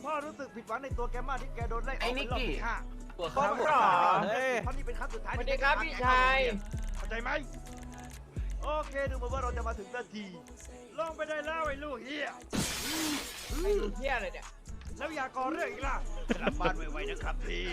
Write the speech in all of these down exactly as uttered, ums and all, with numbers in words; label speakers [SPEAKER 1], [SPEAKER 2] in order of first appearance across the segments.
[SPEAKER 1] พ่อรู้สึกผิดหวังในตัวแกมากที่แกโดนไล่ออก
[SPEAKER 2] ไอ้นิกกี้
[SPEAKER 1] ตัวเขาหรอเฮ้ยเพราะนี่เป็นครั้งสุดท้าย
[SPEAKER 3] สวัสดีครับพี่ชาย
[SPEAKER 1] เข้าใจไหมโอเคดูเหมือนว่าเราจะมาถึงนาทีลงไปได้แล้วไอ้ลูกเฮีย
[SPEAKER 3] ไอ้ลูกเหี้ยเลยเนี่ย
[SPEAKER 1] แล้วอย่าก่อเรื่องอีกล่ะกลับบ้านไวๆนะครับพี่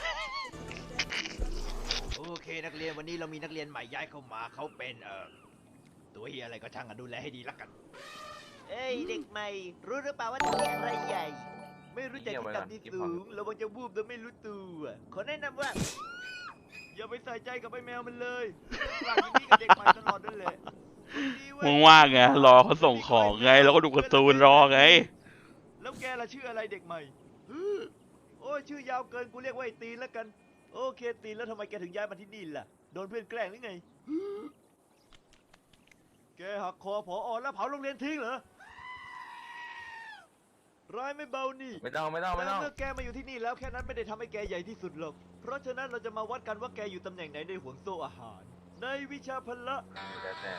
[SPEAKER 1] โอเคนักเรียนวันนี้เรามีนักเรียนใหม่ย้ายเข้ามาเขาเป็นเอ่อตัวเฮียอะไรก็ช่างกันดูแลให้ดีละกันเอ้ยเด็กใหม่รู้หรือเปล่าว่าที่นี่ใครใหญ่ไม่รู้จักที่ต่ำที่สูงระวังจะวูบโดยไม่รู้ตัวขอแนะนำว่าอย่าไปใส่ใจกับไอ้แมวมันเลยหลังนี้กับเด็กใหม่ตลอดนั่นแหละ
[SPEAKER 4] มึงว่างไงรอเขาส่งของไงแล้วก็ดูการ์ตูนรอไง
[SPEAKER 1] แล้วแกล่ะชื่ออะไรเด็กใหม่โอ้ยชื่อยาวเกินกูเรียกว่าไอ้ตีนแล้วกันโอเคตีนแล้วทำไมแกถึงย้ายมาที่นี่ล่ะโดนเพื่อนแกล้งหรือไงแกหักคอผอแล้วเผาโรงเรียนทิ้งเหรอร้ายไม่เบานี่
[SPEAKER 2] ไม่ต้องไม่ต้องไม่
[SPEAKER 1] แต่
[SPEAKER 2] ต้อง
[SPEAKER 1] เมื่อแกมาอยู่ที่นี่แล้วแค่นั้นไม่ได้ทำให้แกใหญ่ที่สุดหรอกเพราะฉะนั้นเราจะมาวัดกันว่าแกอยู่ตำแหน่งไหนในห่วงโซ่อาหารในวิชาพละ
[SPEAKER 2] แต่แต่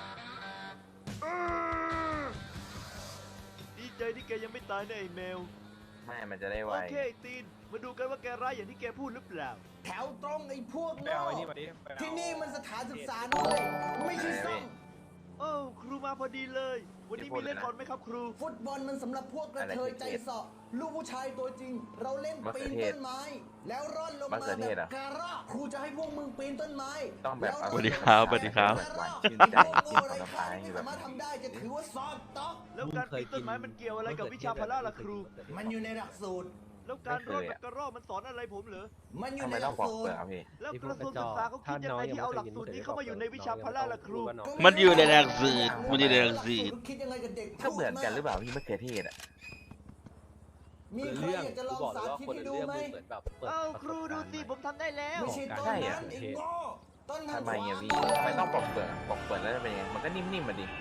[SPEAKER 1] ดีใจที่แกยังไม่ตายนะไอ้แมว
[SPEAKER 2] ไม่มันจะได้ไว
[SPEAKER 1] โอเคไอ้ตีนมาดูกันว่าแกร้ายอย่างที่แกพูดหรือเปล่า
[SPEAKER 5] แถวตรงไอ้พวก
[SPEAKER 3] ไป
[SPEAKER 5] โง่
[SPEAKER 3] เอาไอ้นี่มาดิไปเอา
[SPEAKER 5] ที่นี่มันสถานศึกษานะเลยไม่ใช่ซ่อง
[SPEAKER 1] โอ้ครูมาพอดีเลย วันนี้มีเล่นบอลไหมครับครู
[SPEAKER 5] ฟุตบอลมันสำหรับพวกกระเทยใจเสาะลูกผู้ชายตัวจริง เราเล่นปีนต้นไม้ แล้วร่อนลงมาแบบการะครูจะให้พวกมึงปีนต้นไม้
[SPEAKER 2] ต้องแบบ
[SPEAKER 4] สวัสดีครับสวัสดีครับ
[SPEAKER 2] หวานชื่นใจ
[SPEAKER 5] โง่
[SPEAKER 2] กิน
[SPEAKER 5] อะไร
[SPEAKER 2] ผล
[SPEAKER 5] ใคร
[SPEAKER 2] ไม้
[SPEAKER 5] ไม่
[SPEAKER 2] แบบ
[SPEAKER 5] สามารถทำได้จะถือว่าสอบต๊อก
[SPEAKER 1] แล้วการปีนต้นไม้มันเกี่ยวอะไรกับวิชาพละล่ะครู
[SPEAKER 5] มันอยู่ในหลักสูตร
[SPEAKER 1] แล้วการรอดแบบกระรอกมันสอนอะไรผมเหรอ
[SPEAKER 5] มันอยู่
[SPEAKER 2] ทำ
[SPEAKER 5] ใน
[SPEAKER 2] ไม
[SPEAKER 5] ห
[SPEAKER 2] ต้
[SPEAKER 5] ลั
[SPEAKER 2] อง
[SPEAKER 5] ก
[SPEAKER 2] ปอก
[SPEAKER 5] สู
[SPEAKER 2] เป
[SPEAKER 5] ต
[SPEAKER 2] ลื
[SPEAKER 5] ร
[SPEAKER 2] อกครับพี่
[SPEAKER 1] แล้วกระทรวงศึกษาเขาคิดยังไงที่เอาหลักสูตรนี้เข้ามาอยู่ในวิชาพละล่ะครู
[SPEAKER 4] มันอยู่ในหลักสูตรมันอยู่ในหลักสูตร
[SPEAKER 5] คิดยังไงกับเด็ก
[SPEAKER 2] ก็เหมือนกันหรือเปล่าพี่มะเขือเทศอ่ะ
[SPEAKER 5] มีใครอยากจะลองสาธิตให้ดูไหม
[SPEAKER 1] เอ้าครูดูสิผมทำได้แล้ว
[SPEAKER 5] ไม่ใช่ต้นนั้นไอ้โง่ต้นทาง
[SPEAKER 2] ทำไม
[SPEAKER 5] ขวา
[SPEAKER 2] อ่ะพี่ทำไมต้องปอกเปลือกปอกเปลือกแล้วจะเป็นยังไงมันก็นิ่มๆมาดิ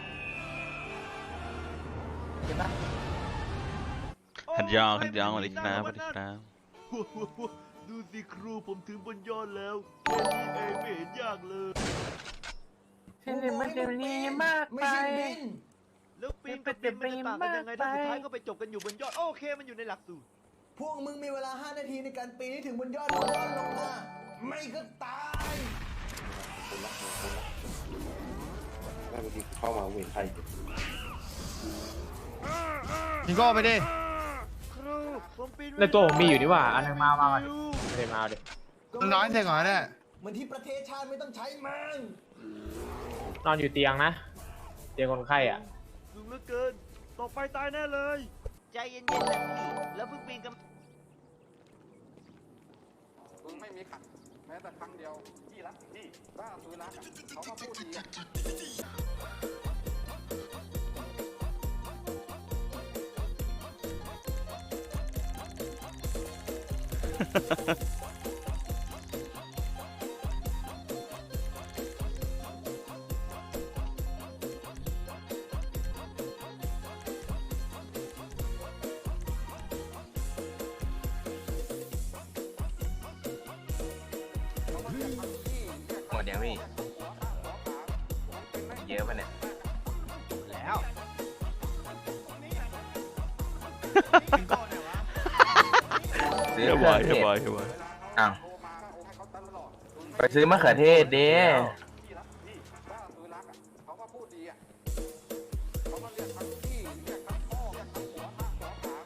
[SPEAKER 2] ใช่ปะ
[SPEAKER 4] ขันยองขันยองสวัสดีครับสวัสดีครับ
[SPEAKER 1] ดูสิครูผมถึงบนยอดแล้วแค่นี้เองไม่เห็นยากเลย
[SPEAKER 2] เช่นมันจะมีมาก
[SPEAKER 5] ไม่
[SPEAKER 2] ไป
[SPEAKER 5] ใช่บิน
[SPEAKER 1] แล้วปีนกับบินมันจะต่างกันยังไงถ้าสุดท้ายก็ไปจบกันอยู่บนยอดโอเคมันอยู่ในหลักสูตร
[SPEAKER 5] พวกมึงมีเวลาห้านาทีในการปีนให้ถึงบนยอดแล้วร่อนลงมา ไม่ก็ตาย
[SPEAKER 6] แม่บางทีเข้ามาเห็นใคร
[SPEAKER 7] ยิงก็ไปดิ
[SPEAKER 1] ครูผมปีน
[SPEAKER 3] ในตัวผมมีอยู่นี่หว่าอันนึงมามามาไม่ได้มาดิ
[SPEAKER 7] มึงน้อยเสร็จก่อนเนี่ย
[SPEAKER 5] เหมือนที่ประเทศชาติไม่ต้องใช้มัน
[SPEAKER 3] นอนอยู่เตียงนะเตียงคนไข้อ่ะ
[SPEAKER 1] สูงเหลือเกินต่อไปตายแน่เลยใจเย็นๆนะพี่แล้วเพิ่งปีนกัน
[SPEAKER 8] มึงไม่มีขัดแม้แต่ครั้งเดียวพี่รักพี่ถ้าซื้อรักอ่ะเขาก็พูดดีอ่ะ
[SPEAKER 2] หมดยังพี่เยอะปะเนี่ย
[SPEAKER 1] แล้ว
[SPEAKER 2] ซื้อ
[SPEAKER 4] เฮ้ย
[SPEAKER 2] เค
[SPEAKER 4] บ
[SPEAKER 2] รื่
[SPEAKER 4] อ
[SPEAKER 2] อย งเท
[SPEAKER 4] เฮ้ย
[SPEAKER 2] ศ
[SPEAKER 4] บอยเฮ้ยบอย
[SPEAKER 2] อ้าวไปซื้อมะเขือเทศเด้
[SPEAKER 8] พี่รักพี่ถ้าซื้อรักอ่ะเขาก็พูดดีอ่ะเขาก็เรียกทั้งพี่เรียกทั้งพ่อเรียกทั้งหัวทั้ง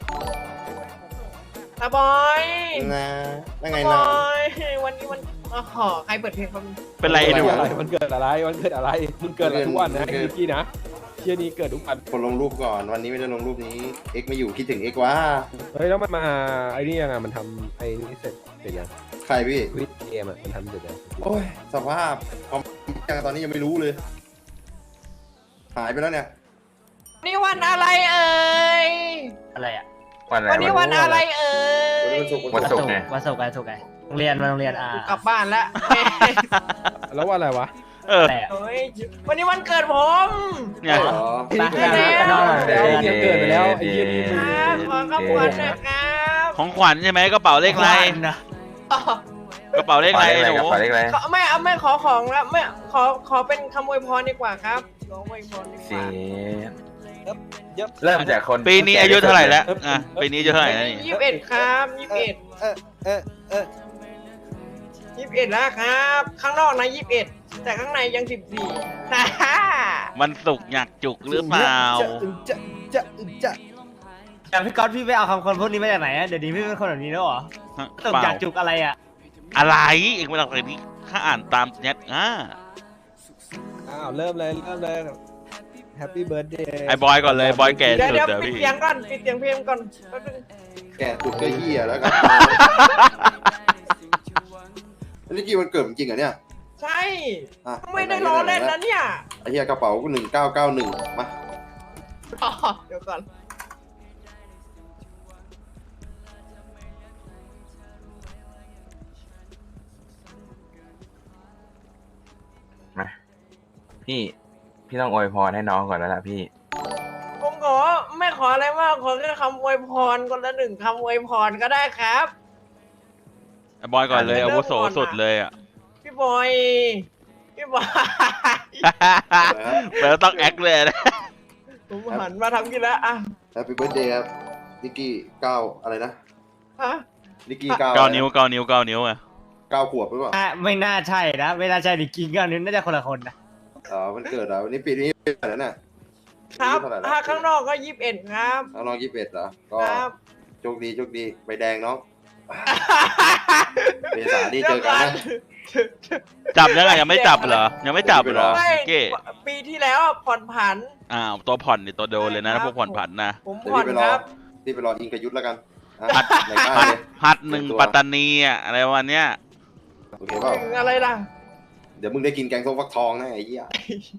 [SPEAKER 8] หัวขา
[SPEAKER 3] ตาบอย
[SPEAKER 6] นะว่าไง
[SPEAKER 3] บ
[SPEAKER 6] น้อ
[SPEAKER 3] อง ยวันนี้มันอ๋อใครเปิดเพลงครับ
[SPEAKER 4] เป็นไรหนู
[SPEAKER 9] อะไรมันเกิดอะไรมันเกิดอะไรมึงเกิดอะไรทุกวันนะไอ้นิกกี้นะเชี่ยนี้เกิดทุกวัน
[SPEAKER 6] คนลงรูปก่อนวันนี้ไม่ได้ลงรูปนี้เอ็กไม่อยู่คิดถึงเอ็กว่า
[SPEAKER 9] เฮ้ยแล้วมันมาไอ้นี่ยังไงมันทำไอ้นี่เสร็จเสร็จยัง
[SPEAKER 6] ใครพี่
[SPEAKER 9] วิดเกมอ่ะมันทำเสร็จยัง
[SPEAKER 6] โอ้ยสภาพความยังตอนนี้ยังไม่รู้เลย หายไปแล้วเนี่ย
[SPEAKER 3] นี่วันอะไรเอ่ย
[SPEAKER 10] อะไรอ่ะ
[SPEAKER 2] วันอะไร
[SPEAKER 3] วันนี้วันอะไรเอ่ย
[SPEAKER 6] วันศุกร์
[SPEAKER 2] วันศุกร์ไง
[SPEAKER 10] วันศุกร์วันศุกร์ไงโรงเรียนวันโรงเรียนอ่าก
[SPEAKER 3] ลับบ้านแล้ว
[SPEAKER 9] แล้วว่าอะไรวะ
[SPEAKER 4] เออ
[SPEAKER 10] แต่
[SPEAKER 3] เฮ้ยวันนี้วันเกิดผม
[SPEAKER 4] ไง
[SPEAKER 6] อ๋อ
[SPEAKER 10] ไปไปนอนหน่อย
[SPEAKER 9] เดี๋ยวเดี๋ยวเกิดไปแล้วไอ้เหี้ยนี่มึง
[SPEAKER 3] ครับขอขอบคุณนะครับ
[SPEAKER 4] ของขวัญใช่ไหมกระเป๋าเลขอะไร
[SPEAKER 10] นะ
[SPEAKER 3] อ๋อก
[SPEAKER 4] ระเป๋าเลขอะไรหนู
[SPEAKER 2] ขอเลขอะไร
[SPEAKER 3] ขอไม่เอาไม่ขอของแล้วไม่ขอขอเป็นคำอวยพรดีกว่าครับขออวยพรดีก
[SPEAKER 2] เสี
[SPEAKER 3] ว่า
[SPEAKER 2] ยเริ่มจากคน
[SPEAKER 4] ปีนี้อายุเท่าไหร่แล้วอ่ะปีนี้อายุเท่าไหร่แล้วนี่
[SPEAKER 3] ยี่สิบเอ็ดครับยี่สิบเอ็ด
[SPEAKER 9] เออเออเออ
[SPEAKER 3] ยี่สิบเอ็ดแล้วครับ ข้างนอกนะยี่สิบเอ็ดแต่ข้างในยังสิบสี่
[SPEAKER 4] มันสุกอยากจุกหรือเปล่า
[SPEAKER 9] จะจะจะ
[SPEAKER 10] แต่พี่ก๊อตพี่ไปเอาคำคนพวกนี้มาจากไหนอะเดี๋ยวนี้พี่เป็นคนแบบนี้แล้วเหรอตก
[SPEAKER 4] เปล่า
[SPEAKER 10] อยากจุกอะไรอะ
[SPEAKER 4] อะไรเองไม่ต้องเลยนี่ข้าอ่านตามเน็ตอ่ะ
[SPEAKER 9] อ้าวเริ่มเลยเริ่มเลยแฮปปี้เบิร์ดเดย์
[SPEAKER 4] ไอ้บอยก่อนเลยบอยแก่
[SPEAKER 3] เดี๋ยว
[SPEAKER 4] สุด
[SPEAKER 3] เดี๋ยว
[SPEAKER 4] เดี๋ยว
[SPEAKER 3] ปิด
[SPEAKER 4] พี่
[SPEAKER 3] เสียงก่อนปิดเสียงเพลงก่อนแป๊บนึง
[SPEAKER 6] แกจุดก็เฮียแล้วกันอันนี้กี่วันเกิดจริงเหรอเนี่ย
[SPEAKER 3] ใช่
[SPEAKER 6] อ่ะ
[SPEAKER 3] ไม่ได้ล้อเล่นนะเนี่ย
[SPEAKER 6] ไอ้เฮียกระเป๋าหนึ่งเก้าเก้าหนึ่งมา
[SPEAKER 3] อ๋อเดี๋ยวก่อน
[SPEAKER 2] มาพี่พี่ต้องอวยพรให้น้องก่อนแล้วล่ะพี่
[SPEAKER 3] ผมขอไม่ขออะไรมากขอแค่คำอวยพรคนละหนึ่งคำอวยพรก็ได้ครับ
[SPEAKER 4] ไอ้บอยก่อนเลยอาวุโสสุดเลยอ่ะ
[SPEAKER 3] พี่บอยพี่บอย
[SPEAKER 4] แล้วต้องแอคเลยนะ
[SPEAKER 3] ผมหันมาทำกินแล้วอ่ะ
[SPEAKER 6] แฮปปี้เบิร์ดเดย์ครับนิกกี้เก้าอะไรนะ
[SPEAKER 3] ฮะ
[SPEAKER 6] นิกกี้เก้า
[SPEAKER 4] เก้านิ้วเก้านิ้วเก้านิ้วอ่ะ
[SPEAKER 6] เก้าขวบหรือเปล่า
[SPEAKER 10] อ่ะไม่น่าใช่นะไม่น่าใช่ดิกินกันนี้น่าจะคนละคนนะ
[SPEAKER 6] อ๋อมันเกิดเหรอวันนี้ปีนี้เป็นอะไรน่ะ
[SPEAKER 3] ครับ
[SPEAKER 6] อายุเท่าไหร่แล้ว
[SPEAKER 3] ถ้าข้างนอกก็ยี่สิบเอ็ดครับ
[SPEAKER 6] น้องยี่สิบเอ็ดเหรอก็
[SPEAKER 3] ครับ
[SPEAKER 6] โชคดีโชคดีใบแดงน้องเมษานี่เจอกันนะ
[SPEAKER 4] จับยังไงยังไม่จับเหรอยังไม่จับเหรอ
[SPEAKER 3] ไม่
[SPEAKER 4] เก้
[SPEAKER 3] ปีที่แล้วอ่ะผ่อนผัน
[SPEAKER 4] อ้าวตัวผ่อนนี่ตัวโดนเลยนะพวกผ่อนผันนะ
[SPEAKER 3] ผม
[SPEAKER 6] เดี๋ยว
[SPEAKER 3] ผ่อน
[SPEAKER 6] พี่ไปร
[SPEAKER 3] ค
[SPEAKER 6] อ
[SPEAKER 3] รับ
[SPEAKER 6] พี่ไปรออิงกบยุทธแล้วกันอ่ะ
[SPEAKER 4] หัด
[SPEAKER 6] ในค่าย
[SPEAKER 4] หัด
[SPEAKER 6] เลย
[SPEAKER 4] หัดหนึ่งปัตตานีอ่ะอะไรวันเนี้ย
[SPEAKER 6] โอเคเปล่า
[SPEAKER 3] ถึงอะไรล่ะ
[SPEAKER 6] เดี๋ยวมึงได้กินแกงส้มฟักทองนะไอ้เหี้ย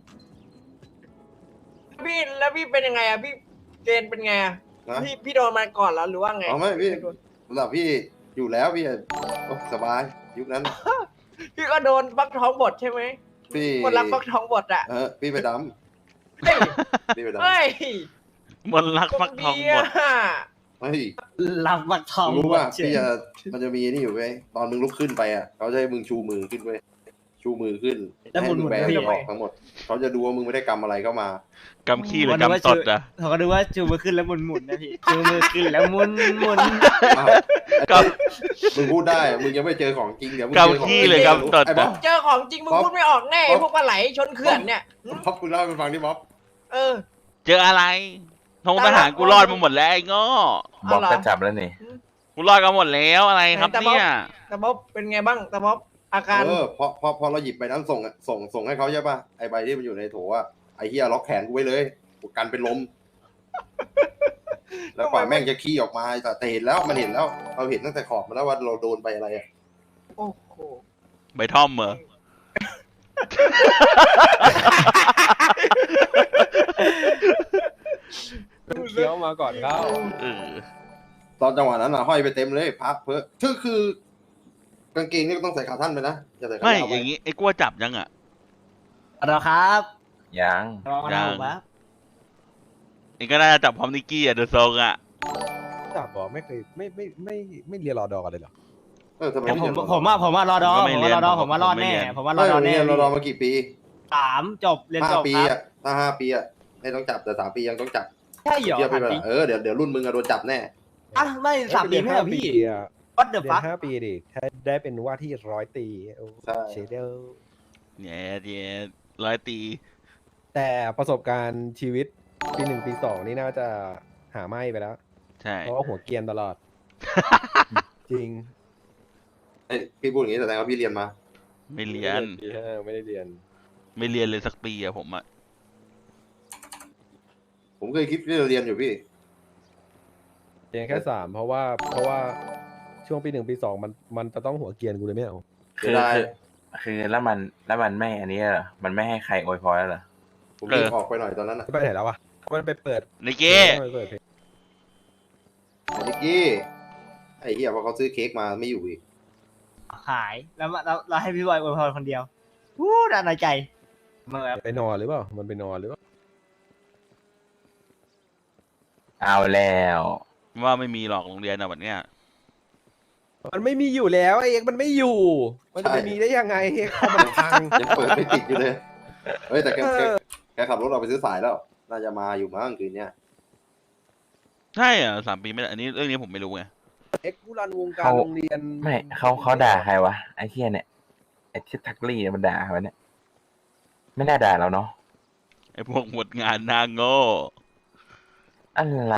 [SPEAKER 3] พี่แล้วพี่เป็นยังไงอ่ะพี่เกณฑ์เป็นไงอ่ะ
[SPEAKER 6] นะ
[SPEAKER 3] พี่พี่โดนมาก่อนแล้วหรือว่าไง
[SPEAKER 6] เอาไหมพี่สำหรับพี่อยู่แล้วพี่โอ้สบายยุคนั้น
[SPEAKER 3] พี่ก็โดนฟักทองบดใช่ไหม
[SPEAKER 6] พี่
[SPEAKER 3] คนรักฟักทองบดอ่ะ
[SPEAKER 6] เออพี่ไปด
[SPEAKER 3] เฮ้ย
[SPEAKER 6] ำพี่ไปดำ
[SPEAKER 3] เฮ้ย
[SPEAKER 4] มนต์รักฟักทองหมด
[SPEAKER 3] อ่ะ
[SPEAKER 6] เฮ้ย
[SPEAKER 10] รับบักทอง
[SPEAKER 6] รู้ป่ะ
[SPEAKER 10] หมดเฉย
[SPEAKER 6] พี่จะมันจะมีนี่อยู่เว้ยตอนมึงลุกขึ้นไปอ่ะเขาจะให้มึงชูมือขึ้นเว้ยชูมือขึ้น
[SPEAKER 10] แล้วหมุน
[SPEAKER 6] ให้
[SPEAKER 10] หมุน
[SPEAKER 6] แบ
[SPEAKER 10] แล้ว
[SPEAKER 6] มื
[SPEAKER 10] พี่
[SPEAKER 6] อออกทั้งหมดเขาจะดูว่ามึงไม่ได้กำอะไรเข้ามาก
[SPEAKER 4] ำขี้หรือกำตดอ่ะ
[SPEAKER 10] เขาก็ดูว่าจูมือขึ้นแล้วหมุนหมุนนะพี่จูมือขึ้นแล้วหมุนหมุน
[SPEAKER 6] อ้าว
[SPEAKER 4] ก
[SPEAKER 6] มึงพูดได้มึงยังไม่เจอของจริงเดี๋ยวมึงเจอของ
[SPEAKER 4] กำขี้
[SPEAKER 6] จริง
[SPEAKER 4] หรือกำตด
[SPEAKER 6] ไอ้บ๊อบ
[SPEAKER 3] เจอของจริงมึง
[SPEAKER 6] บ๊อบ
[SPEAKER 3] พูดไม่ออกแน่
[SPEAKER 6] บ๊อบ
[SPEAKER 3] พวกปลาไหลชนเขื่อนเนี่ย
[SPEAKER 6] บ๊อบคุณเล่าให้มันฟังดิบ๊อบ
[SPEAKER 3] เออ
[SPEAKER 4] เจออะไรทงทหารกูรอดมาหมดแล้วไอ้ง้อ
[SPEAKER 2] บอก
[SPEAKER 3] เอาเหรอ
[SPEAKER 2] ก็จับแล้วนี่
[SPEAKER 4] กูรอดกันหมดแล้วอะไรครับ
[SPEAKER 3] แต่บ๊อบ
[SPEAKER 4] เนี่ย
[SPEAKER 3] แต่บ๊อบเป็นไงบ้างแต่บ๊อบอาการ
[SPEAKER 6] เออพอพอพอเราหยิบใบนั้นส่งอะส่งส่งให้เขาใช่ป่ะไอใบที่มันอยู่ในโถอ่ะไอเฮียล็อกแขนกูไว้เลยกูกันเป็นลม แล้วกว่าแม่งจะขี้ออกมาแต่แต่เห็นแล้วมันเห็นแล้วเราเห็นตั้งแต่ขอบมาแล้วว่าเราโดนไปอะไรอ่ะ
[SPEAKER 3] โอ้โห
[SPEAKER 4] ใบท่อมเหรอ
[SPEAKER 9] เคี้ยวมาก่อนเข้า
[SPEAKER 4] เออ
[SPEAKER 6] ตอนจังหวะนั้นอ่ะห้อยไปเต็มเลยพักเพื่อคือคือกางเกงนี่ก็ต้องใส่ขาท่านไปนะอย่าใส่ขา
[SPEAKER 4] ไม่
[SPEAKER 6] ยาว
[SPEAKER 4] อ
[SPEAKER 6] ไป
[SPEAKER 4] ย่างงี้ไอ้กลัวจับยังอ่ะ
[SPEAKER 10] รอครับ
[SPEAKER 2] ยัง
[SPEAKER 10] รอ
[SPEAKER 4] ยั
[SPEAKER 10] นะ
[SPEAKER 4] ง
[SPEAKER 10] ผมครับ
[SPEAKER 4] ไอ้ก็น่าจะจับพร้อมนิกกี้อ่ะเดอะทรงอ่ะ
[SPEAKER 9] จับบอกไม่เคยไม่ไม่ไม่ไม่เรียนรอดอกันเลยเหรอ
[SPEAKER 6] เออทำไม
[SPEAKER 10] แต่ผม
[SPEAKER 6] ไเรียน
[SPEAKER 10] ผมว่าผมว่ารอดอ
[SPEAKER 4] ผมก็
[SPEAKER 10] ผ
[SPEAKER 4] ไม่
[SPEAKER 10] ม
[SPEAKER 4] เรี
[SPEAKER 10] ว่าย
[SPEAKER 4] น
[SPEAKER 10] รอดอ
[SPEAKER 4] ผ
[SPEAKER 10] ผม มว่ารอด
[SPEAKER 4] ผมไม่
[SPEAKER 10] แน่
[SPEAKER 4] เรียน
[SPEAKER 10] ผมว่าร
[SPEAKER 6] ไม่
[SPEAKER 10] อดอ
[SPEAKER 6] ผม
[SPEAKER 10] แน่
[SPEAKER 6] เรียนเรารอมากี่ปี
[SPEAKER 10] สามจบเรียน
[SPEAKER 6] ห้า
[SPEAKER 10] จบ
[SPEAKER 6] ปี
[SPEAKER 10] ครับ
[SPEAKER 6] อ่ะถ้าห้าปีอ่ะไม่ต้องจับแต่สามปียังต้องจับ
[SPEAKER 10] ใช่เหรอ
[SPEAKER 6] เทียบไป
[SPEAKER 10] ถาม
[SPEAKER 6] เว
[SPEAKER 10] จริ
[SPEAKER 6] ลาง เออเดี๋ยวเดี๋ยวรุ่นมึงอะโดนจับแน่
[SPEAKER 10] อ่ะไม่สามปีไม่เหรอพี่
[SPEAKER 9] อ่ะ
[SPEAKER 10] What the
[SPEAKER 9] เรีย
[SPEAKER 10] fuck
[SPEAKER 9] นห้าปีดิถ้าได้เป็นว่าที่ร้อยตีโอ้
[SPEAKER 6] ใช่
[SPEAKER 9] เชเดล
[SPEAKER 4] เนี่ยเดี๋ยวร้อยตี
[SPEAKER 9] แต่ประสบการณ์ชีวิตปีหนึ่งปีสองนี่น่าจะหาไม่ไปแล้ว
[SPEAKER 4] ใช่
[SPEAKER 9] เพราะว่าหัวเกรียนตลอด จริง
[SPEAKER 6] เอ้ยพี่พูดอย่างนี้แสดงว่าพี่เรียนมา
[SPEAKER 4] ไม่เรียน
[SPEAKER 9] ปีห้าไม่ได้เรียน
[SPEAKER 4] ไม่เรียนเลยสักปีอะผมอะ
[SPEAKER 6] ผมเคยคิดที่จะเรียนอยู่พี่
[SPEAKER 9] เรียนแค่สามเพราะว่าเพราะว่าช่วงปีหนึ่งปีสองมันมันจะต้องหัวเกรียนกูเลยไม่เอา
[SPEAKER 2] คือ
[SPEAKER 6] ได้
[SPEAKER 2] คือคือแล้วมันแล้วมันไม่อันนี้เหรอมันไม่ให้ใครอวยพรแล้วเหรอ
[SPEAKER 6] ผมรีบออกไปหน่อยตอนนั้นอ่ะ
[SPEAKER 9] ไปไหนแล้ววะมันไปเปิด
[SPEAKER 4] นิกกี้
[SPEAKER 9] ไปเปิดเพลง
[SPEAKER 6] ไอ้นิกกี้ไอ้เหี้ยพอเขาซื้อเค้กมาไม่อยู่อีก
[SPEAKER 10] หายแล้วมาเราเราให้พี่บอยอวยพรคนเดียววู้ด้านในใจมาแบบ
[SPEAKER 9] ไปนอนหรือเปล่ามันไปนอนหรือเปล่า
[SPEAKER 2] เอาแล้ว
[SPEAKER 4] ว่าไม่มีหรอกโรงเรียนอะแบบเนี้ย
[SPEAKER 9] มันไม่มีอยู่แล้วไอ้เอ็กซ์มันไม่อยู่ มันจะไปมีได้ยังไงเอ็กซ์เขามันพัง
[SPEAKER 6] ยังเปิดไม่ติดอยู่เลยเฮ้ยแต่แกแกแกขับรถเราไปซื้อสายแล้วน่าจะมาอยู่มั้งคืนเนี้ย
[SPEAKER 4] ใช่อ่ะสามปีไม่ได้อันนี้เรื่องนี้ผมไม่รู้ไง
[SPEAKER 9] เอ็กซ์ผู้รันวงการ
[SPEAKER 2] เขา
[SPEAKER 9] โรงเรียน
[SPEAKER 2] ไม่เขาเขาด่าใครวะไอ้เฮียเนี่ยไอ้ที่ทักลี่เนี่ยมันด่าใครวะเนี่ยไม่น่าด่าเราเนาะ
[SPEAKER 4] ไอ้พวกหมดงานหนาโง่
[SPEAKER 2] อะไร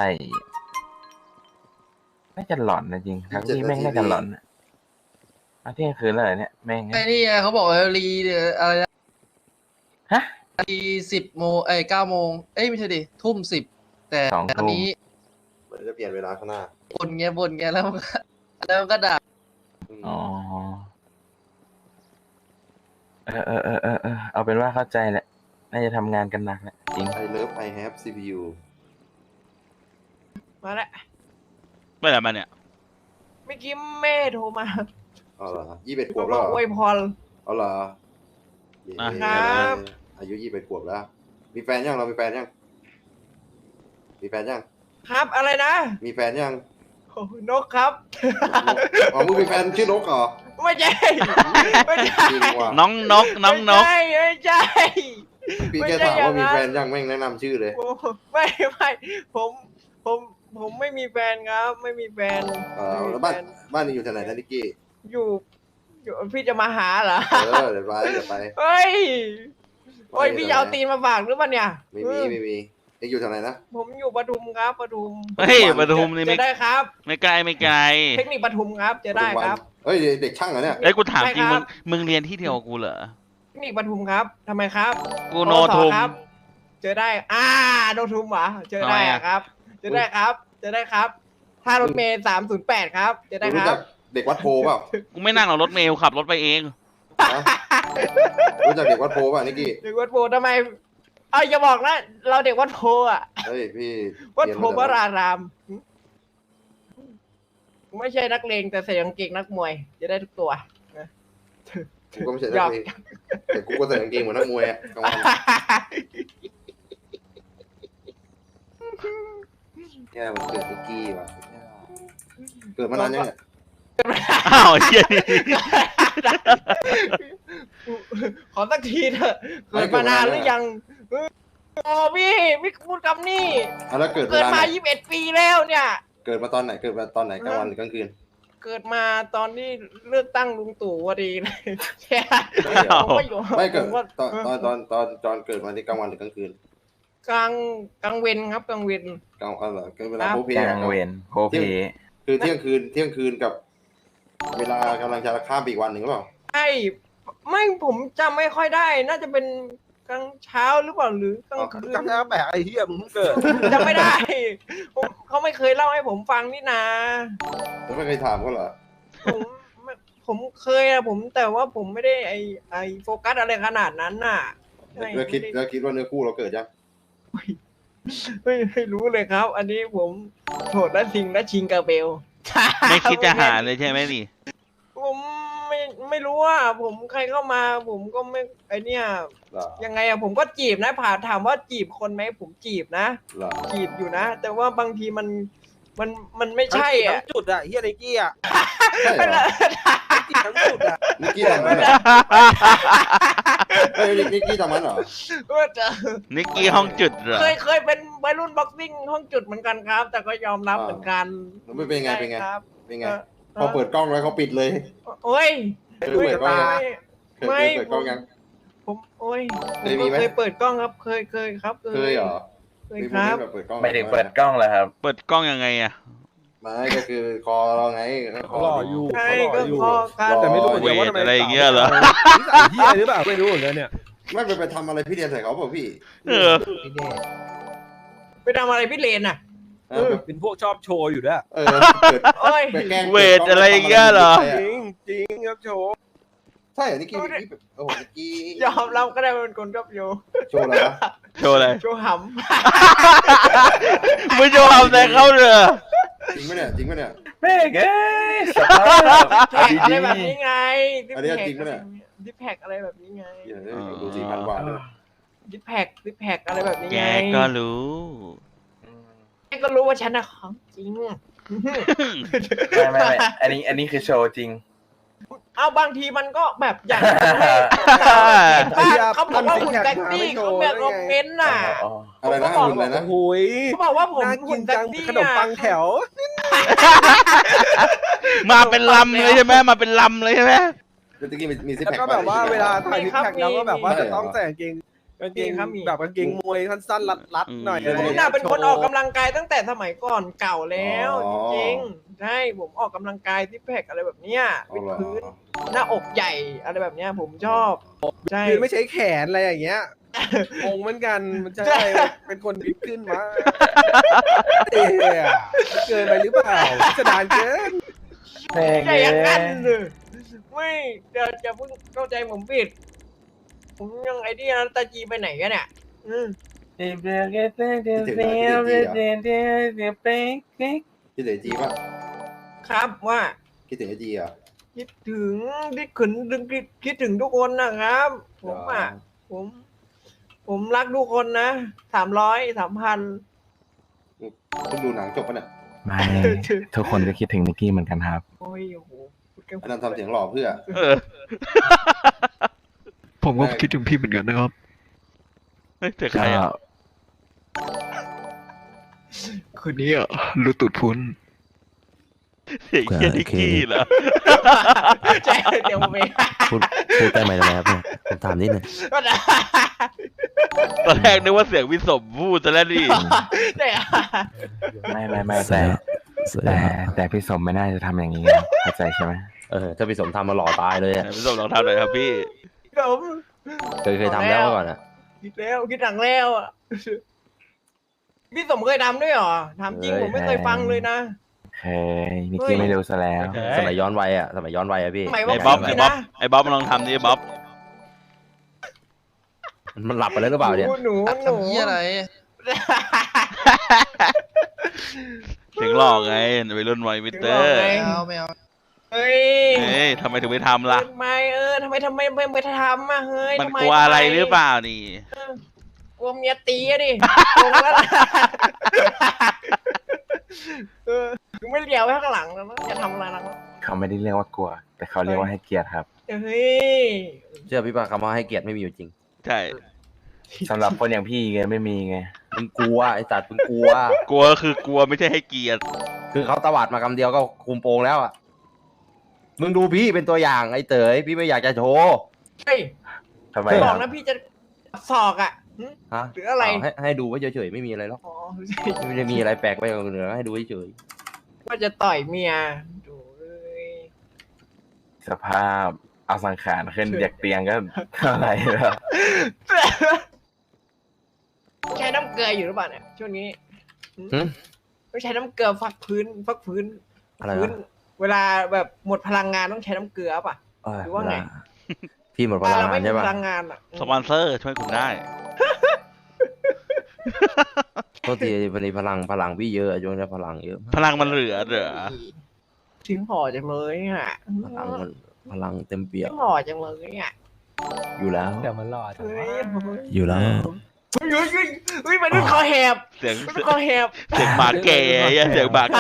[SPEAKER 2] น่าจะหลอนนะจริงทักลี่แม่งน่าจะหลอนอะเอาเที่ยงคืนแล้วเหรอเนี่ยแม่ง
[SPEAKER 3] ไอ้นี่ไงเขาบอกว่ารีเดี๋ยวอะไรนะ
[SPEAKER 2] ฮะ
[SPEAKER 3] รีสิบโมงเอ้ยเก้าโมงเอ้ยไม่ใช่ดิทุ่มสิบแต่
[SPEAKER 2] สอง
[SPEAKER 3] อัน
[SPEAKER 2] ทุ่ม
[SPEAKER 3] นี้
[SPEAKER 6] เหมือนจะเปลี่ยนเวลาข้างหน้า
[SPEAKER 3] บนเงี้ยบนเงี้ยแล้วมันก็แล้วมันก็ด่า
[SPEAKER 6] ม
[SPEAKER 2] อ๋อเออเออเออเออเออเอาเป็นว่าเข้าใจแหละน่าจะทำงานกันหนักแหละจริง
[SPEAKER 6] I love I have ซี พี ยู
[SPEAKER 3] มาแล้ว
[SPEAKER 4] เมื่อไหร่มาเนี่ย
[SPEAKER 3] เมื่อกี้แม่โทรมา
[SPEAKER 6] เอาเหรอยี่สิบเอ็ดขว
[SPEAKER 3] มา
[SPEAKER 6] บบ แล้ว
[SPEAKER 3] อ
[SPEAKER 6] เหร
[SPEAKER 3] ก
[SPEAKER 6] อ
[SPEAKER 3] อวยพร
[SPEAKER 6] เอาเหรอ
[SPEAKER 4] อ่ะ
[SPEAKER 3] ครับ
[SPEAKER 6] อายุยี่สิบเอ็ดขวบแล้ว มีแฟนยังเรามีแฟนยัง มีแฟนยัง
[SPEAKER 3] ครับอะไรนะ
[SPEAKER 6] มีแฟนยัง
[SPEAKER 3] โอ้นกครับ
[SPEAKER 6] อ๋อมึงมีแฟนชื่อนกเหรอ
[SPEAKER 3] ไม่ใช่ไม่ใช่
[SPEAKER 6] จริงว่ะ
[SPEAKER 4] น้องนกน้องนก
[SPEAKER 3] ไม่ใช่ไม่ใช่
[SPEAKER 6] พี่
[SPEAKER 3] ไม่
[SPEAKER 6] แค่
[SPEAKER 3] ใช่
[SPEAKER 6] ถามว่ามี
[SPEAKER 3] อย่างนั้น
[SPEAKER 6] แฟนยังแม่งแนะนำชื่อเลย
[SPEAKER 3] ผมไม่ไม่ผมผมผมไม่มีแฟนครับ ไม่มีแฟน
[SPEAKER 6] เออ
[SPEAKER 3] ไม่มี
[SPEAKER 6] แล้วบ้าน
[SPEAKER 3] ฟ
[SPEAKER 6] บ้านนี่อยู่ที่ไหนนะนิกกี้
[SPEAKER 3] อยู่อยู่พี่จะมาหาเหรอ
[SPEAKER 6] เออเดี๋ยวไปเดี๋ยวไป
[SPEAKER 3] เฮ้ยโอ้ย
[SPEAKER 6] ไป
[SPEAKER 3] พี่จะเอาตีนมาฝากหรือเปล่าเนี่ย
[SPEAKER 6] ไม่มีไม่มีเอ็งอยู่ที่ไหนนะ
[SPEAKER 3] ผมอยู่ปทุมครับปทุม
[SPEAKER 4] เฮ้ยปทุมนี่
[SPEAKER 3] จะ
[SPEAKER 4] ไม่
[SPEAKER 3] ได้ครับ
[SPEAKER 4] ไม่ไกลไม่ไกล
[SPEAKER 3] เทคนิคปทุมครับจะได้ครับ
[SPEAKER 6] เฮ้ยเด็กช่างเหรอเนี่ย
[SPEAKER 4] เอ้ยกูถามจริง
[SPEAKER 3] ไม่ครั
[SPEAKER 4] มึ
[SPEAKER 3] บ
[SPEAKER 4] งมึงเรียนที่เดียวกับกูเหรอ
[SPEAKER 3] เทคนิคปทุมครับทำไมครับ
[SPEAKER 4] กูโน
[SPEAKER 3] ปวส
[SPEAKER 4] ทุม
[SPEAKER 3] ครับ เจอได้ อ่าโนทุมเหรอเจอได้
[SPEAKER 4] ทำไม
[SPEAKER 3] อะ
[SPEAKER 4] อะ
[SPEAKER 3] ครับ เจอได้ครับ เจอได้ครับท่ารถเมย์สามศูนย์แปดครับเจอได้ค
[SPEAKER 6] รู้
[SPEAKER 3] รั
[SPEAKER 6] จั
[SPEAKER 3] บ
[SPEAKER 6] กเด็กวัดโพเปล่า
[SPEAKER 4] กูไม่นั่งหรอกรถเมล์ขับรถไปเอง
[SPEAKER 6] ฮะรู้จักเด็กวัดโพเปล่านิกกี้
[SPEAKER 3] เด็กวัดโพทำไมเอ้ยอย่าบอกนะเราเด็กวัดโพอ่ะ
[SPEAKER 6] เฮ้ยพี่
[SPEAKER 3] วัดโพ
[SPEAKER 6] เรียน
[SPEAKER 3] ว
[SPEAKER 6] มาจาก
[SPEAKER 3] รารามหึไม่ใช่นักเลงแต่ใส่กางเกงนักมวย จะได้ทุกตัวนะ
[SPEAKER 6] กูก็ไม่ใช่นั
[SPEAKER 3] หย
[SPEAKER 6] ก
[SPEAKER 3] อก
[SPEAKER 6] เลงแต่กูก็ใส่กางเกงเหมือนนักมวยอะกลางวันเนี่ยมันเกิดนิกกี้ว่ะเกิดมานานยังเนี่ย
[SPEAKER 4] อ้าวเฮียนี่
[SPEAKER 3] ขอสักทีเถอะเกิดมานานหรือยังเออโอ้พี่พี่พูดคำนี้
[SPEAKER 6] อ่ะแล้วเกิดเว
[SPEAKER 3] เกิด
[SPEAKER 6] ลาไห
[SPEAKER 3] มาน ยี่สิบเอ็ดปีแล้วเนี่ย
[SPEAKER 6] เกิดมาตอนไหนเกิดมาตอนไหนกลางวันหรือกลางคืน
[SPEAKER 3] เกิดมาตอนที่เลือกตั้งลุงตู่พอดีเลยใช่
[SPEAKER 4] อ้าว
[SPEAKER 3] ผมก็อยู่
[SPEAKER 6] ไม่เกิด
[SPEAKER 3] ผม
[SPEAKER 6] ตอนตอนตอนตอนตอนเกิดมาที่กลางวันหรือกลางคืน
[SPEAKER 3] กลางกลางเวนครับกลางเวน
[SPEAKER 6] กลางอะไรเกิดเวลา
[SPEAKER 3] ครับ
[SPEAKER 6] โพเพ
[SPEAKER 2] ก
[SPEAKER 6] อะ
[SPEAKER 2] ลางเวรโพเพ
[SPEAKER 6] คือเที่ยงคืนเที่ยงคืนกับ เวลากำลังจะข้ามไปอีกวันหนึ่งหรือเปล่า
[SPEAKER 3] ใช่ไม่ผมจำไม่ค่อยได้ น่าจะเป็นกลางเช้าหรือเปล่าหรือกลางคืน
[SPEAKER 9] จำได้แบกไอ้เหี้ยมึงเพิ่งเกิด
[SPEAKER 3] จำไม่ได้ผมเขาไม่เคยเล่าให้ผมฟังนี่นา
[SPEAKER 6] แล้วไม่เคยถามเขาเหรอ
[SPEAKER 3] ผมไม่ผมเคยอะผมแต่ว่าผมไม่ได้ไอไอโฟกัสอะไรขนาดนั้นน่ะใช่
[SPEAKER 6] แล้วคิด
[SPEAKER 3] ไม่ไ
[SPEAKER 6] แล้วคิดว่าเนื้อคู่เราเกิดยัง
[SPEAKER 3] ไม่ไม่รู้เลยครับ อันนี้ผมโหดและทิงและชิงกาเบล
[SPEAKER 4] ไม่คิดจะหาเลยใช่ไหมนี่
[SPEAKER 3] ผมไม่ไม่รู้ว่า ผมใครเข้ามา ผมก็ไม่ไอเนี่ย
[SPEAKER 6] เหรอ
[SPEAKER 3] ยังไงอะผมก็จีบนะผ่าถามว่าจีบคนไหมผมจีบนะ
[SPEAKER 6] เหรอ
[SPEAKER 3] จีบอยู่นะ แต่ว่าบางทีมันมันมันไม่ใช่อ่ะ
[SPEAKER 9] ทั้งจุดอะเฮียไนกี้อะ
[SPEAKER 6] ใช่เหรอ
[SPEAKER 9] ทั้งจุดอะ
[SPEAKER 6] นิกกี้ทำมันเหรอเฮ้ยนิกนิกกี้ทำมันเหรอ
[SPEAKER 3] ก็จะ
[SPEAKER 4] นิกกี้ห้องจุดเหรอ
[SPEAKER 3] เคยเคยเป็นวัยรุ่นบ็อกซิ่งห้องจุดเหมือนกันครับ แต่ก็ยอมรับเหมือนกัน
[SPEAKER 6] แล้วไม่เป็นไงเป็นไง
[SPEAKER 3] ใช่ครับ
[SPEAKER 6] เป็นไง
[SPEAKER 3] เออ
[SPEAKER 6] พอเปิดกล้องแล้วเขาปิดเลย
[SPEAKER 3] โอ้ย
[SPEAKER 6] เคยเปิดกล้องยัง เคย
[SPEAKER 3] ไม่
[SPEAKER 6] เคยเปิดกล้องยัง
[SPEAKER 3] ผมโอ้ยผ
[SPEAKER 6] เค
[SPEAKER 3] ม
[SPEAKER 6] ยมี
[SPEAKER 3] ก็
[SPEAKER 6] ไหม
[SPEAKER 3] เคยเปิดกล้องครับ เคยเคยครับ
[SPEAKER 6] เคยเหรอ
[SPEAKER 3] เคย
[SPEAKER 6] มี
[SPEAKER 3] ค
[SPEAKER 6] โม
[SPEAKER 3] รั
[SPEAKER 6] เมน
[SPEAKER 3] บ
[SPEAKER 6] ต์แบบเปิดกล้อง
[SPEAKER 2] ไม่ได้เปิดกล้องแล้วครับ
[SPEAKER 4] เปิดกล้องยังไงอะ
[SPEAKER 6] ไม่ก็คือคอเราไงค
[SPEAKER 9] เขาหล่ออยู่
[SPEAKER 3] ใช่
[SPEAKER 9] เขาหล่
[SPEAKER 3] ก็
[SPEAKER 9] ออยู่
[SPEAKER 3] พอกัน
[SPEAKER 9] แต่ไม่รู้เหมือน
[SPEAKER 4] เว
[SPEAKER 9] กันว่า
[SPEAKER 4] ท
[SPEAKER 9] ทำไม
[SPEAKER 4] อะไรอย่างเงี้ยเหรอ
[SPEAKER 9] นิสัยเฮียหรือเปล่าไม่รู้เหมือนกันเนี่ย
[SPEAKER 6] ไม่ไปไปทำอะไรพี่เรียนใส่เขาเปล่าพี่
[SPEAKER 4] เออ
[SPEAKER 9] ไม่แน่
[SPEAKER 3] ไปทำอะไรพี่เลนอ่ะ
[SPEAKER 6] เออ
[SPEAKER 9] เป็นพวกชอบโชว์อยู่ด้วย
[SPEAKER 6] เออเปิด
[SPEAKER 3] โอ้ย
[SPEAKER 6] ไปแกล้ง
[SPEAKER 4] เวทอะไรอย่างเงี้ยเหรอ
[SPEAKER 9] จริงจริงครับโชว์
[SPEAKER 6] ใช่เหรอนิกกี้นิกกี้แบบโอ้โหนิกกี้
[SPEAKER 3] ยอมรับก็ได้ว่าเป็นคนชอบโย
[SPEAKER 6] โชว์อะไรวะ
[SPEAKER 4] โชว์อะไร
[SPEAKER 3] โชว์ห
[SPEAKER 4] มึงจะทำแต่เข้าเรือ
[SPEAKER 6] จริงไหมเนี่ยจริงไหมเนี่ย
[SPEAKER 2] แม่งเอ้ยสภาพ
[SPEAKER 3] ำแท็กอะไรแบบนี้ไง
[SPEAKER 6] อันนี้จริงปะเนี่ย
[SPEAKER 3] ดิแพ็กอะไรแบบนี้ไง
[SPEAKER 6] เดี๋ยวดูสี่พันกว่าเลย
[SPEAKER 3] ดิแพ็กดิแพ็กอะไรแบบนี้
[SPEAKER 4] แก
[SPEAKER 3] ไง
[SPEAKER 4] ก็รู้
[SPEAKER 3] แกก็รู้ว่าฉันน่ะของจริง
[SPEAKER 2] ไม่ไม่ไม่อันนี้อันนี้คือโชว์จริง
[SPEAKER 3] เอาบางทีมันก็แบบอยากให้บ้านเขาบอกว่าหุ่นแท็กซี่เขาแบบคอมเมนต์น่ะ
[SPEAKER 2] อ๋อ
[SPEAKER 6] อะไรนะหุ่นอะไรนะ
[SPEAKER 9] โอ้ย
[SPEAKER 3] เขาบอกว่าผม
[SPEAKER 9] น่ากิ
[SPEAKER 3] หุ่
[SPEAKER 9] น
[SPEAKER 3] นแท็
[SPEAKER 9] จั
[SPEAKER 3] ก
[SPEAKER 9] ง
[SPEAKER 3] ซี่
[SPEAKER 9] ขนมปังแถว
[SPEAKER 4] มาเป็นลำเลยใช่ไหมมาเป็นลำเลยใช่ไหม
[SPEAKER 6] เมื่อกี้มีมีซิป
[SPEAKER 9] แล้ว
[SPEAKER 6] แพค
[SPEAKER 9] ก็แบบว่าเวลาถ่ายทิกแท็กแล้วก็แบบว่า
[SPEAKER 6] ใช่
[SPEAKER 9] จะ
[SPEAKER 6] เหรอ
[SPEAKER 9] ต้องใส่กางเกงกางเกงแบบกางเกงมวยสั้นๆรัดๆหน่อย
[SPEAKER 3] ผมน่ะเป็นคนออกกำลังกายตั้งแต่สมัยก่อนเก่าแล้วจริงๆใช่ผมออกกำลังกายที่แพกอะไรแบบเนี้ย
[SPEAKER 6] เอา
[SPEAKER 3] วิด
[SPEAKER 6] เหรอ
[SPEAKER 3] พื้นหน้าอกใหญ่อะไรแบบเนี้ยผมชอบใช่
[SPEAKER 9] คือไม่ใช้แขนอะไรอย่างเงี้ยงงเหมือนกันมันจะได้เป็นคนบิ๊กขึ้นมาเอ๊ะเกินไปหรือเปล่าจะดานเกิน
[SPEAKER 2] แม่ง
[SPEAKER 3] ใช่
[SPEAKER 2] เอ้
[SPEAKER 3] อย่างนั้น
[SPEAKER 2] ย
[SPEAKER 3] เลยไม่จะจะเพิ่งเข้าใจผมผิดผมยังไอ้นี่นะตาจีไปไหนกันเนี่ยอืม
[SPEAKER 6] คิดถึงไอจีป่ะ
[SPEAKER 3] ครับว่า
[SPEAKER 6] คิดถึงไอจีอ่ะ
[SPEAKER 3] คิดถึงคิดถึงคิดคิดคิดถึงทุกคนนะครับ ผมอ่ะผม ผมรักทุกคนนะสามร้อยสามพัน
[SPEAKER 6] เพิ่งดูหนังจบปะเนี่ย
[SPEAKER 2] ไม่ทุกคนก็คิดถึงนิกกี้เหมือนกันครับ
[SPEAKER 3] โอ้ยโอ้โหพูดแค่
[SPEAKER 6] อันนั้นทำเสียงหล่อเพื่อ
[SPEAKER 4] เออ
[SPEAKER 7] ผมก็คิดถึงพี่เหมือนกันนะครับ
[SPEAKER 4] เฮ้ยแต่ใคร
[SPEAKER 2] ก็
[SPEAKER 4] อ่ะ
[SPEAKER 7] คนนี้อ่ะรู้ตุดพุ้น
[SPEAKER 4] เสียงเคียนิกกี้เหรอ
[SPEAKER 3] ใช่เดี๋ยวผมไป
[SPEAKER 11] พูดพูดได้ไหมนะครับเนี่ยผมถามนิดหนึง
[SPEAKER 4] ตอนแรกนึกว่าเสียงวิศมพูดซะแล้วดิ
[SPEAKER 3] แต่
[SPEAKER 2] ไม่ไม่ไม่
[SPEAKER 11] เสร็
[SPEAKER 2] แต่
[SPEAKER 11] จ
[SPEAKER 2] แต่แต่พี่สมไม่น่าจะทำอย่างนี้ไงเข้าใจใช่ไหม
[SPEAKER 11] เออถ้าพี่สมทำมาหล่อตายเลยอะ
[SPEAKER 4] วิศมลองทำหน่อยครับพี่
[SPEAKER 3] ผม
[SPEAKER 11] เคยเคยทำแล้วเมื่อก่อนอะ
[SPEAKER 3] คิดแล้วคิดหลังแล้วอ่ะพี่สมเคยทำด้วยเหรอทำจริงผมไม่เคยฟังเลยนะ
[SPEAKER 2] เคยนิกกี้ไม่รู้ซะแล้ว
[SPEAKER 4] เฮ้ย
[SPEAKER 11] สมัยย้อนวัยอะสมัยย้อนวัยอะพี่
[SPEAKER 3] สมัย
[SPEAKER 4] ไอ้
[SPEAKER 3] ว่า
[SPEAKER 4] บ๊อบ
[SPEAKER 3] พี่
[SPEAKER 4] ไอ้บ๊อบ
[SPEAKER 3] นะ
[SPEAKER 4] ไอ้บ๊อบมาลองทำดิบ๊อบ
[SPEAKER 11] มันหลับไปแล้วหรือเปล่าเนี่ย
[SPEAKER 3] หนูหนูหนู
[SPEAKER 4] เสียงหลอกไงวัยรุ่นวัยมิเตอร์
[SPEAKER 3] เฮ้ย
[SPEAKER 4] เฮ้ยทำไมถึงไม่ทำล่ะ
[SPEAKER 3] ทำไมเออทำไมทำไมไม่ไม่ทำอ่ะเฮ้ย
[SPEAKER 4] มัน
[SPEAKER 3] ทำไม
[SPEAKER 4] กลัวอะไรหรือเปล่านี่
[SPEAKER 3] กลัวเมียตีอะดิกลัวแล้วเออคือไม่เลี้ยวไปข้างหลังแล้วนะจะทำอะไรนะ
[SPEAKER 2] เขาไม่ได้เรียกว่ากลัว แต่เขาเรียกว่าให้เกียรติครับ
[SPEAKER 3] เฮ้ย
[SPEAKER 11] เชื่อพี่ป่ะคำว่าให้เกียรติไม่มีอยู่จริง
[SPEAKER 4] ใช่
[SPEAKER 2] สำหรับคนอย่างพี่ไงไม่มีไง
[SPEAKER 11] มึงกลัวไอ้สัตว์มึงกลัว
[SPEAKER 4] กลัวคือกลัวไม่ใช่ให้เกียรติ
[SPEAKER 11] คือเขาตวาดมาคำเดียวก็คุมโปงแล้วอะมึงดูพี่เป็นตัวอย่างไอ้เต๋อพี่ไม่อยากจะโชว์
[SPEAKER 3] เฮ้ย
[SPEAKER 2] ทำไม
[SPEAKER 3] บ
[SPEAKER 2] ค
[SPEAKER 3] อ
[SPEAKER 2] รั
[SPEAKER 3] ก
[SPEAKER 2] บ
[SPEAKER 3] นะพี่จะสอกอ่ะหึ
[SPEAKER 11] ฮะ
[SPEAKER 3] หรืออะไร
[SPEAKER 11] เาให้ให้ดูไว้เฉยๆไม่มีอะไรหรอก
[SPEAKER 3] อ๋อ
[SPEAKER 11] ไม่ได้มีอะไรแปลกไปกว่าเหนือให้ดูเฉย
[SPEAKER 3] ว่าจะต่อยเมียดูเลย
[SPEAKER 2] สภาพเอาสังขารขึ้นจากเตียงก็เท่าไหร่แล้ว
[SPEAKER 3] ใช้น้ำเกลืออยู่หรือเปล่าเนี่ยช่วงนี้หึ
[SPEAKER 11] ๆหึ
[SPEAKER 3] ต้องใช้น้ำเกลือฟักพื้นฟักพื้น
[SPEAKER 11] อะไร
[SPEAKER 3] พื้น
[SPEAKER 11] วะ
[SPEAKER 3] เวลาแบบหมดพลังงานต้องใช้น้ำเกลือป่ะ
[SPEAKER 11] เอ้ย
[SPEAKER 3] หรือว่าไง
[SPEAKER 11] เวลพี่หมดพ
[SPEAKER 3] ถ้า
[SPEAKER 11] ลัง
[SPEAKER 3] เรา
[SPEAKER 11] งา
[SPEAKER 3] ไม่
[SPEAKER 11] น
[SPEAKER 3] มี
[SPEAKER 11] ใช่
[SPEAKER 3] พ
[SPEAKER 11] ป่ะ
[SPEAKER 3] ลังงานอ่ะ
[SPEAKER 4] สปอนเซอร์ช่วยคุณได้
[SPEAKER 11] โทษทีพอดีพลังพลังพี่เยอะช่วงนี้พลังเยอะ
[SPEAKER 4] พลังมันเหลือเหรอ
[SPEAKER 3] ถึงห่อจังเลยอ่ะ
[SPEAKER 11] พลังมันพลังเต็มเปี่ย
[SPEAKER 3] ถึ
[SPEAKER 11] ม
[SPEAKER 3] งห่อจังเลยอ่ะ
[SPEAKER 11] อยู่แล้ว
[SPEAKER 9] เดี๋ยวมันหล่อจัง
[SPEAKER 3] เฮ้ย
[SPEAKER 11] อยู่แล้ว
[SPEAKER 3] เฮ้ยเฮ้ยเฮ้ยเฮ้ยมันดูคอแหบ
[SPEAKER 4] เสียง
[SPEAKER 3] มันดูคอแหบ
[SPEAKER 4] เสียงหมาแก่ไอ้เสียงหมาแก่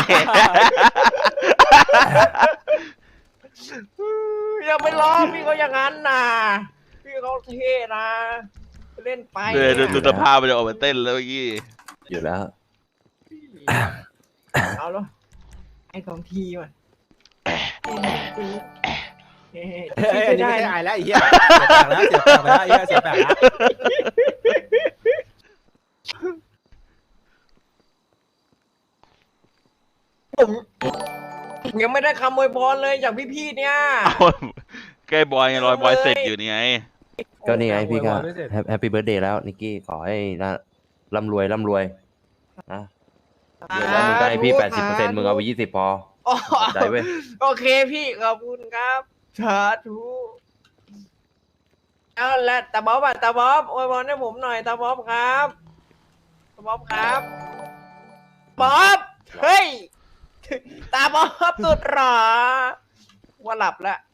[SPEAKER 3] อย่าไปล้อพี่เขาอย่างนั้นนะพี่เขาเท่นะเล่นไป
[SPEAKER 4] เดี๋ยวดู
[SPEAKER 3] เนี่ย
[SPEAKER 4] ดูสภาพมันจะออกมาเต้นแล้วเมื่อกี้
[SPEAKER 11] อยู่แล้ว
[SPEAKER 3] เอาแล้วไอ้สองทีมาเฮ้ย
[SPEAKER 9] เฮ้ยอันนี้
[SPEAKER 3] ได้
[SPEAKER 9] ไม่ได้
[SPEAKER 3] นะ
[SPEAKER 9] อายแล้วไอ้เหี้ยเสียแปลกแล้วเสียแปลกแล้วไอ้เหี้ยเสียแปลกแล้ว
[SPEAKER 3] ผมยังไม่ได้คำอวยพรเลยจากพี่ๆเนี่ย
[SPEAKER 4] เอาใกล้บอยไงรอยบอยเสร็จอยู่นี่ไง
[SPEAKER 11] ก็นี่ไงพี่ก็
[SPEAKER 9] โอ้ยไม่เสร็จ
[SPEAKER 11] แฮปปี้เบิร์ดเดย์แล้วนิกกี้ขอให้นะร่ำรวยร่ำรวยนะเดี๋ยวแล้วมึงได้พี่แปดสิบเปอร์เซ็นต์มึงเอาไปยี่สิบพอ
[SPEAKER 3] อ๋อ
[SPEAKER 11] ใจเว้ย
[SPEAKER 3] โอเคพี่ขอบคุณครับสาธุเอาละตาบ๊อบอ่ะตาบ๊อบอวยพรให้ผมหน่อยตาบ๊อบครับตาบ๊อบครับบ๊อบเฮ้ยตาบ๊อบสุดหรอว่าหลับแล้ว